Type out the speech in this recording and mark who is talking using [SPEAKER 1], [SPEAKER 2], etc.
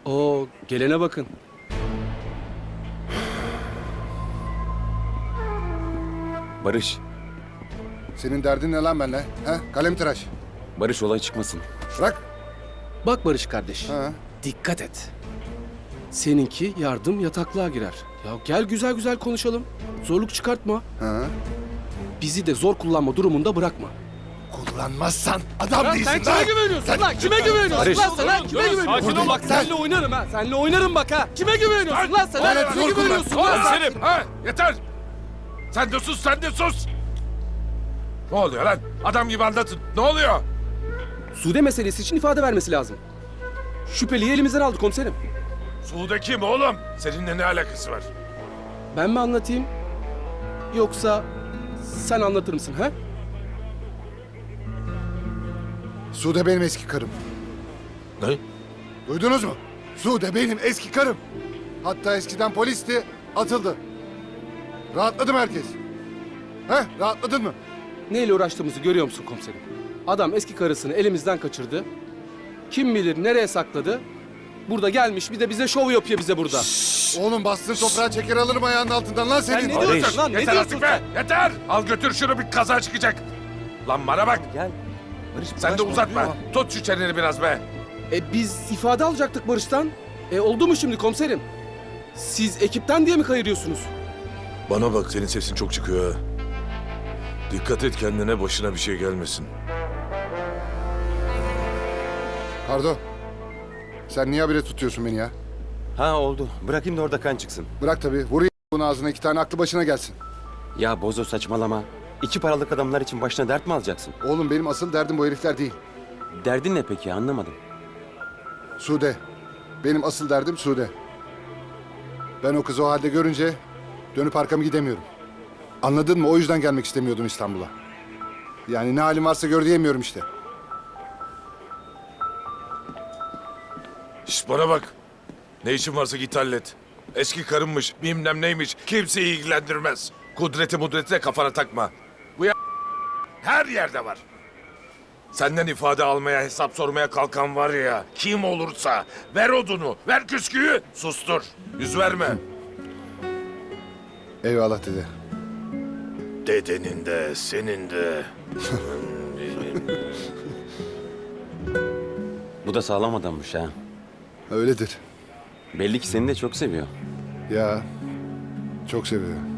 [SPEAKER 1] Oo, gelene bakın.
[SPEAKER 2] Barış,
[SPEAKER 3] Senin derdin ne lan benimle? He? Kalem tıraş.
[SPEAKER 2] Barış olay çıkmasın.
[SPEAKER 3] Bırak.
[SPEAKER 1] Bak Barış kardeş,
[SPEAKER 3] Ha.
[SPEAKER 1] dikkat et. Seninki yardım yataklığa girer. Ya gel güzel güzel konuşalım. Zorluk çıkartma.
[SPEAKER 3] Ha.
[SPEAKER 1] Bizi de zor kullanma durumunda bırakma.
[SPEAKER 3] Kullanmazsan adam
[SPEAKER 1] Lan
[SPEAKER 3] değilsin
[SPEAKER 1] sen kime güveniyorsun lan? Kime güveniyorsun
[SPEAKER 2] Barış.
[SPEAKER 1] lan sen? Ha? Kime güveniyorsun?
[SPEAKER 3] Sakin ol.
[SPEAKER 1] Bak seninle oynarım ha. Seninle oynarım bak ha. Kime güveniyorsun lan sen?
[SPEAKER 3] Bana
[SPEAKER 1] Ha? Kime
[SPEAKER 3] zor kullan.
[SPEAKER 1] güveniyorsun lan sen?
[SPEAKER 4] Selim, ha yeter. Sen de sus, sen de sus. Ne oluyor lan? Adam gibi anlatın. Ne oluyor?
[SPEAKER 1] Sude meselesi için ifade vermesi lazım. Şüpheliyi elimizden aldı komiserim.
[SPEAKER 4] Sude kim oğlum? Seninle ne alakası var?
[SPEAKER 1] Ben mi anlatayım? Yoksa sen anlatır mısın ha?
[SPEAKER 3] Sude benim eski karım.
[SPEAKER 4] Ne?
[SPEAKER 3] Duydunuz mu? Sude benim eski karım. Hatta eskiden polisti, atıldı. Rahatladı mı herkes? He? Rahatladın mı?
[SPEAKER 1] Neyle uğraştığımızı görüyor musun komiserim? Adam eski karısını elimizden kaçırdı. Kim bilir nereye sakladı? Burada gelmiş bir de bize şov yapıyor bize burada.
[SPEAKER 3] Oğlum bastığın toprağı çeker alırım ayağının altından lan senin.
[SPEAKER 1] Sen ne diyorsun lan? Ne
[SPEAKER 4] Yeter
[SPEAKER 1] diyorsun
[SPEAKER 4] artık be! Yeter! Al götür şunu, bir kaza çıkacak. Lan bana bak!
[SPEAKER 2] Gel. Barış,
[SPEAKER 4] Sen de uzatma. Tut şu çeneni biraz be.
[SPEAKER 1] Biz ifade alacaktık Barış'tan. Oldu mu şimdi komiserim? Siz ekipten diye mi kayırıyorsunuz?
[SPEAKER 5] Bana bak, senin sesin çok çıkıyor ha. Dikkat et kendine, başına bir şey gelmesin.
[SPEAKER 3] Kardo. Sen niye habire tutuyorsun beni ya?
[SPEAKER 2] Ha oldu. Bırakayım da orada kan çıksın.
[SPEAKER 3] Bırak tabii. Vurayım bunun ağzına, 2 tane aklı başına gelsin.
[SPEAKER 2] Ya Bozo saçmalama. İki paralık adamlar için başına dert mi alacaksın?
[SPEAKER 3] Oğlum benim asıl derdim bu herifler değil.
[SPEAKER 2] Derdin ne peki, anlamadım.
[SPEAKER 3] Sude. Benim asıl derdim Sude. Ben o kızı o halde görünce dönüp arkamı gidemiyorum. Anladın mı? O yüzden gelmek istemiyordum İstanbul'a. Yani ne halim varsa gör diyemiyorum işte.
[SPEAKER 5] Şişt, bana bak. Ne işin varsa git hallet. Eski karınmış, bilmem neymiş, kimseyi ilgilendirmez.
[SPEAKER 4] Kudreti mudreti de kafana takma. Bu ya her yerde var. Senden ifade almaya, hesap sormaya kalkan var ya, kim olursa ver odunu, ver küsküyü, sustur. Yüz verme.
[SPEAKER 3] Eyvallah dede.
[SPEAKER 5] Dedenin de, senin de.
[SPEAKER 2] Bu da sağlam adammış ha.
[SPEAKER 3] Öyledir.
[SPEAKER 2] Belli ki seni de çok seviyor.
[SPEAKER 3] Ya çok seviyor.